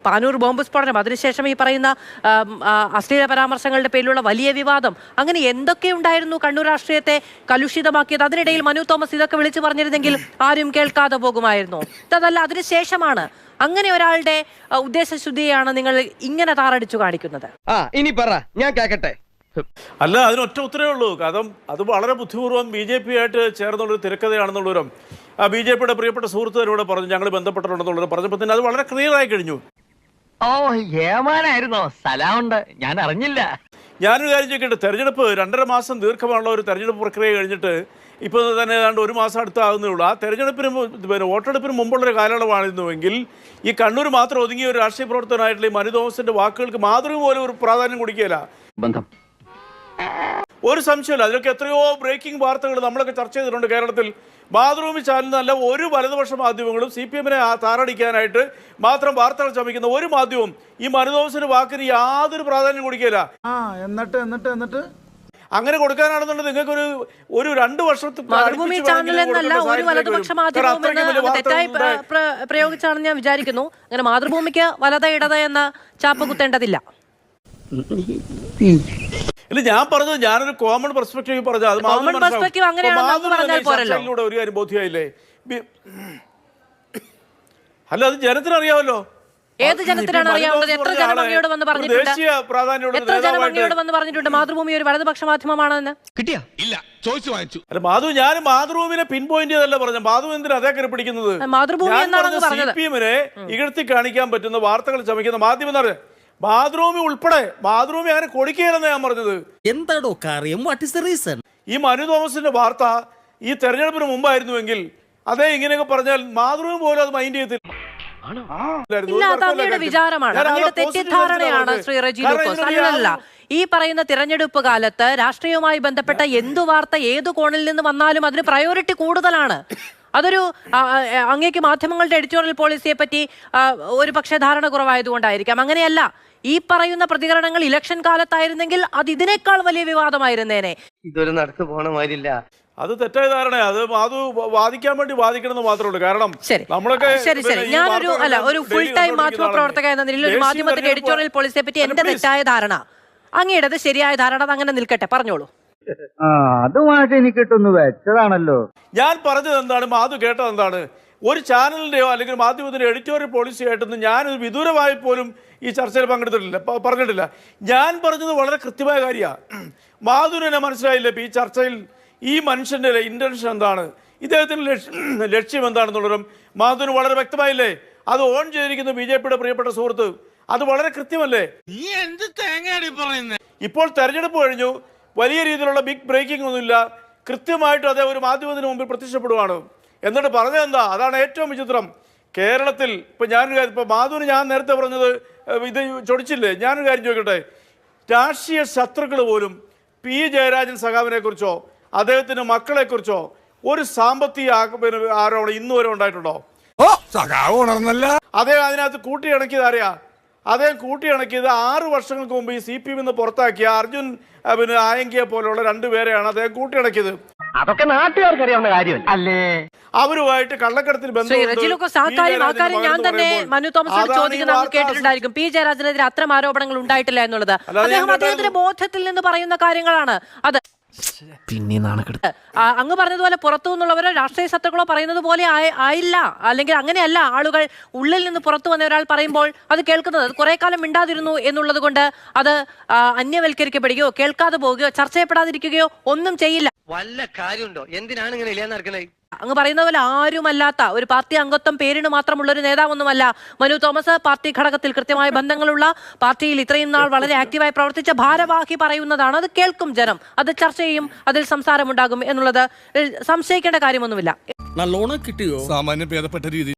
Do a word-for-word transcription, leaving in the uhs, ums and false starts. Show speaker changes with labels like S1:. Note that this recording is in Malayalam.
S1: പാനൂർ ബോംബ് സ്ഫോടനം, അതിനുശേഷം ഈ പറയുന്ന അശ്ലീല പരാമർശങ്ങളുടെ പേരിലുള്ള വലിയ വിവാദം, അങ്ങനെ എന്തൊക്കെ ഉണ്ടായിരുന്നു കണ്ണൂർ രാഷ്ട്രീയത്തെ കലുഷിതമാക്കിയത്? അതിനിടയിൽ മനു തോമസ് ഇതൊക്കെ വിളിച്ചു പറഞ്ഞിരുന്നെങ്കിൽ ആരും കേൾക്കാതെ പോകുമായിരുന്നു. അതല്ല, അതിനുശേഷമാണ് അങ്ങനെ ഒരാളുടെ ഉദ്ദേശശുദ്ധിയാണ് നിങ്ങൾ ഇങ്ങനെ താറടിച്ചു കാണിക്കുന്നത്.
S2: ആ ഇനി പറ, ഞാൻ കേക്കട്ടെ.
S3: അല്ല, അതിനൊറ്റ ഉത്തരവേ ഉള്ളൂ. കാരണം അത് വളരെ ബുദ്ധിപൂർവ്വം ബി ജെ പി ആയിട്ട് ചേർന്നുള്ളൊരു തിരക്കഥയാണെന്നുള്ളവരും ബി ജെ പിയുടെ പ്രിയപ്പെട്ട സുഹൃത്തുക്കളോട് പറഞ്ഞു, ഞങ്ങൾ ബന്ധപ്പെട്ടിട്ടുണ്ടെന്നുള്ളത് പറഞ്ഞപ്പോൾ തന്നെ അത് വളരെ ക്ലിയർ ആയി കഴിഞ്ഞു.
S2: ഓ ഏമാനായിരുന്നോ? സ്ഥലമുണ്ട്, ഞാൻ അറിഞ്ഞില്ല.
S3: ഞാനൊരു കാര്യം ചോദിക്കട്ടെ, തെരഞ്ഞെടുപ്പ് രണ്ടര മാസം ദീർഘമുള്ള ഒരു തെരഞ്ഞെടുപ്പ് പ്രക്രിയ കഴിഞ്ഞിട്ട് ഇപ്പോൾ തന്നെ ഏതാണ്ട് ഒരു മാസം അടുത്താകുന്നേ ഉള്ളൂ. ആ തെരഞ്ഞെടുപ്പിന് പിന്നെ വോട്ടെടുപ്പിന് മുമ്പുള്ളൊരു കാലയളവായിരുന്നുവെങ്കിൽ ഈ കണ്ണൂർ മാത്രം ഒതുങ്ങിയ ഒരു രാഷ്ട്രീയ പ്രവർത്തനമായിട്ടുള്ള ഈ മനു തോമസിന്റെ വാക്കുകൾക്ക് മാതൃക പോലും ഒരു പ്രാധാന്യം കൊടുക്കുകയില്ല. ബന്ധം ഒരു സംശയമില്ല. അതിലൊക്കെ എത്രയോ ബ്രേക്കിംഗ് വാർത്തകൾ നമ്മളൊക്കെ ചർച്ച ചെയ്തിട്ടുണ്ട് കേരളത്തിൽ. മാതൃഭൂമി ചാനലിനല്ല ഒരു വലതുപക്ഷ മാധ്യമങ്ങളും സി പി എമ്മിനെ താറടിക്കാനായിട്ട് മാത്രം വാർത്തകൾ ചമയ്ക്കുന്ന ഒരു മാധ്യമവും ഈ മനു തോമസിന്റെ വാക്കിന് യാതൊരു പ്രാധാന്യം കൊടുക്കുകയില്ല.
S4: എന്നിട്ട് എന്നിട്ട് എന്നിട്ട്
S3: അങ്ങനെ കൊടുക്കാനാണെന്നുണ്ടെങ്കിൽ നിങ്ങൾക്ക് ഒരു ഒരു രണ്ട് വർഷത്തെ
S1: മാതൃഭൂമി ചാനൽ എന്നല്ല ഒരു വലതുപക്ഷ മാധ്യമം തെറ്റായി പ്രയോഗിച്ചാണെന്ന് ഞാൻ വിചാരിക്കുന്നു. അങ്ങനെ മാതൃഭൂമിക്ക് വലത ഇടത എന്ന ചാപ്പ കുത്തേണ്ടതില്ല.
S3: ഇല്ല, ഞാൻ പറഞ്ഞത് ഞാനൊരു കോമൺ പെർസ്പെക്റ്റീവ് പറഞ്ഞു. അത് ഒരു കാര്യം ബോധ്യമായില്ലേ? അല്ല, അത് ജനത്തിന് അറിയാമല്ലോ.
S1: ഏത് ജനത്തിനാണ് അറിയാവുന്നത്? എത്ര ജനഭംഗിയോട് വന്ന് പറഞ്ഞിട്ടുണ്ട്, എത്ര ജനഭംഗിയോട് വന്ന് പറഞ്ഞിട്ടുണ്ട് മാതൃഭൂമി ഒരു വലതുപക്ഷ മാധ്യമമാണെന്ന്?
S5: കിട്ടിയാ ഇല്ല, ചോദിച്ചു വാങ്ങിച്ചു.
S3: അല്ല മാധു, ഞാൻ മാതൃഭൂമിനെ പിൻ പോയിന്റ് ചെയ്തല്ല പറഞ്ഞ. മാധു എന്തിനാ അതേ കയറി പിടിക്കുന്നത്?
S1: മാതൃഭൂമി എന്നാണ് പറഞ്ഞത്.
S3: സി പി എമ്മിനെ ഇകഴ്ത്തി കാണിക്കാൻ പറ്റുന്ന വാർത്തകൾ ചമയ്ക്കുന്ന മാധ്യമം എന്ന് പറഞ്ഞത് മാതൃഭൂമി ഉൾപ്പെടെ. മാതൃഭൂമി അങ്ങനെ കൊടുക്കുകയെന്ന് ഞാൻ പറഞ്ഞത്.
S5: എന്താടോ കാര്യം? What is the reason?
S3: ഈ മനു തോമസിന്റെ വാർത്ത ഈ തെരഞ്ഞെടുപ്പിന് മുമ്പായിരുന്നുവെങ്കിൽ അതേ ഇങ്ങനെയൊക്കെ പറഞ്ഞാൽ മാതൃഭൂമി പോലും അത് മൈൻഡ് ചെയ്യത്തില്ല.
S1: അങ്ങയുടെ വിചാരമാണ്, അങ്ങയുടെ തെറ്റിദ്ധാരണയാണ് ശ്രീ റെജി ലൂക്കോസ്. അല്ലല്ല, ഈ പറയുന്ന തിരഞ്ഞെടുപ്പ് കാലത്ത് രാഷ്ട്രീയവുമായി ബന്ധപ്പെട്ട എന്തു വാർത്ത ഏതു കോണിൽ നിന്ന് വന്നാലും അതിന് പ്രയോറിറ്റി കൂടുതലാണ്. അതൊരു അങ്ങേക്ക് മാധ്യമങ്ങളുടെ എഡിറ്റോറിയൽ പോളിസിയെ പറ്റി ഒരു പക്ഷേ ധാരണ കുറവായതുകൊണ്ടായിരിക്കാം. അങ്ങനെയല്ല, ഈ പറയുന്ന പ്രതികരണങ്ങൾ ഇലക്ഷൻ കാലത്തായിരുന്നെങ്കിൽ അത് ഇതിനേക്കാൾ വലിയ വിവാദമായിരുന്നേനെ.
S2: ഇതൊരു നടത്തു പോണ മാതിരില്ല.
S3: അത് തെറ്റായ ധാരണയാണ്. അത് അത് വാദിക്കാൻ വേണ്ടി വാദിക്കണമെന്ന് മാത്രമേ ഉള്ളൂ. കാരണം നമ്മളൊക്കെ
S1: ശരി ശരി ഞാനൊരു അല്ല ഒരു ഫുൾ ടൈം മാധ്യമ പ്രവർത്തക എന്ന നിലയിൽ ഒരു മാധ്യമത്തിന്റെ എഡിറ്റോറിയൽ പോളിസിയെ പറ്റി എന്റെ തെറ്റായ ധാരണ, അങ്ങയുടേത് ശരിയായ ധാരണ, അത് അങ്ങനെ നിൽക്കട്ടെ, പറഞ്ഞോളൂ.
S4: അതുമായിട്ട് എനിക്ക് കിട്ടുന്നു വെച്ചതാണല്ലോ.
S3: ഞാൻ പറഞ്ഞത് എന്താണ്, മാധു കേട്ടത് എന്താണ്? ഒരു ചാനലിന്റെയോ അല്ലെങ്കിൽ മാധ്യമത്തിന്റെ എഡിറ്റോറിയൽ പോളിസി ആയിട്ടൊന്നും ഞാനൊരു വിദൂരമായി പോലും ഈ ചർച്ചയിൽ പങ്കെടുത്തിട്ടില്ല, പറഞ്ഞിട്ടില്ല. ഞാൻ പറഞ്ഞത് വളരെ കൃത്യമായ കാര്യമാണ്. മാധുവിനെ മനസ്സിലായില്ലേ ഈ ചർച്ചയിൽ ഈ മനുഷ്യന്റെ ഇന്റൻഷൻ എന്താണ്, ഇദ്ദേഹത്തിന്റെ ലക്ഷ്യം എന്താണെന്നുള്ളതും മാധുവിന് വളരെ വ്യക്തമായില്ലേ? അത് ഓൺ ചെയ്തിരിക്കുന്ന ബി ജെ പിയുടെ പ്രിയപ്പെട്ട സുഹൃത്ത്, അത് വളരെ കൃത്യമല്ലേ? ഇപ്പോൾ തെരഞ്ഞെടുപ്പ് കഴിഞ്ഞു, വലിയ രീതിയിലുള്ള ബിഗ് ബ്രേക്കിംഗ് ഒന്നുമില്ല. കൃത്യമായിട്ട് അതേ ഒരു മാധ്യമത്തിന് മുമ്പിൽ പ്രത്യക്ഷപ്പെടുവാണ്. എന്നിട്ട് പറഞ്ഞത് എന്താ? അതാണ് ഏറ്റവും വിചിത്രം. കേരളത്തിൽ ഇപ്പം ഞാനൊരു കാര്യം, ഇപ്പം മാധുവിന് ഞാൻ നേരത്തെ പറഞ്ഞത് ഇത് ചൊടിച്ചില്ലേ? ഞാനൊരു കാര്യം ചോദിക്കട്ടെ, രാഷ്ട്രീയ ശത്രുക്കൾ പോലും പി ജയരാജൻ സഖാവിനെ കുറിച്ചോ അദ്ദേഹത്തിന്റെ മക്കളെ കുറിച്ചോ ഒരു സാമ്പത്തിക ആരോപണം ഇന്ന് വരെ ഉണ്ടായിട്ടുണ്ടോ? അദ്ദേഹം അതിനകത്ത് കൂട്ടിയിണക്കിയത് അറിയാ? അദ്ദേഹം കൂട്ടിയിണക്കിയത് ആറ് വർഷങ്ങൾക്ക് മുമ്പ് ഈ സി പി എമ്മിൽ നിന്ന് പുറത്താക്കിയ അർജുൻ പിന്നെ ആയങ്കിയെ പോലുള്ള രണ്ടുപേരെയാണ് അദ്ദേഹം കൂട്ടിയിണക്കിയത്.
S2: അതൊക്കെ നാട്ടുകാർക്ക് അറിയാവുന്ന കാര്യം അല്ലേ?
S3: അവരുമായിട്ട് കള്ളക്കടത്തിൽ
S1: ഞാൻ തന്നെ മനു തോമസ് ചോദിക്കുന്നത് കേട്ടിട്ടുണ്ടായിരിക്കും. പി ജയരാജനെതിരെ അത്തരം ആരോപണങ്ങൾ ഉണ്ടായിട്ടില്ല എന്നുള്ളത് അദ്ദേഹം അദ്ദേഹത്തിന്റെ ബോധത്തിൽ നിന്ന് പറയുന്ന കാര്യങ്ങളാണ്. അത്
S5: പിന്നെ നാണക്കെടുത്ത്
S1: അങ്ങ് പറഞ്ഞതുപോലെ പുറത്തു നിന്നുള്ളവരോ രാഷ്ട്രീയ ശത്രുക്കളോ പറയുന്നത് പോലെ ആയില്ല, അല്ലെങ്കിൽ അങ്ങനെയല്ല. ആളുകൾ ഉള്ളിൽ നിന്ന് പുറത്തു വന്ന ഒരാൾ പറയുമ്പോൾ അത് കേൾക്കുന്നത്, അത് കുറെ കാലം മിണ്ടാതിരുന്നു എന്നുള്ളത് കൊണ്ട് അത് അന്യവൽക്കരിക്കപ്പെടുകയോ കേൾക്കാതെ പോവുകയോ ചർച്ച ചെയ്യപ്പെടാതിരിക്കുകയോ ഒന്നും ചെയ്യില്ല.
S2: വല്ല കാര്യമുണ്ടോ? എന്തിനാണ് ഇങ്ങനെ ഇല്ലാന്ന് നടക്കണേ?
S1: അങ്ങ് പറയുന്ന പോലെ ആരുമല്ലാത്ത ഒരു പാർട്ടി അംഗത്വം പേരിന് മാത്രമുള്ള ഒരു നേതാവൊന്നുമല്ല മനു തോമസ്. പാർട്ടി ഘടകത്തിൽ കൃത്യമായ ബന്ധങ്ങളുള്ള, പാർട്ടിയിൽ ഇത്രയും നാൾ വളരെ ആക്റ്റീവായി പ്രവർത്തിച്ച ഭാരവാഹി പറയുന്നതാണ്. അത് കേൾക്കും ജനം, അത് ചർച്ച ചെയ്യും, അതിൽ സംസാരമുണ്ടാകും എന്നുള്ളത് സംശയിക്കേണ്ട കാര്യമൊന്നുമില്ല.
S5: നല്ലോണം കിട്ടിയോ? സാമാന്യം ഭേദപ്പെട്ട രീതി.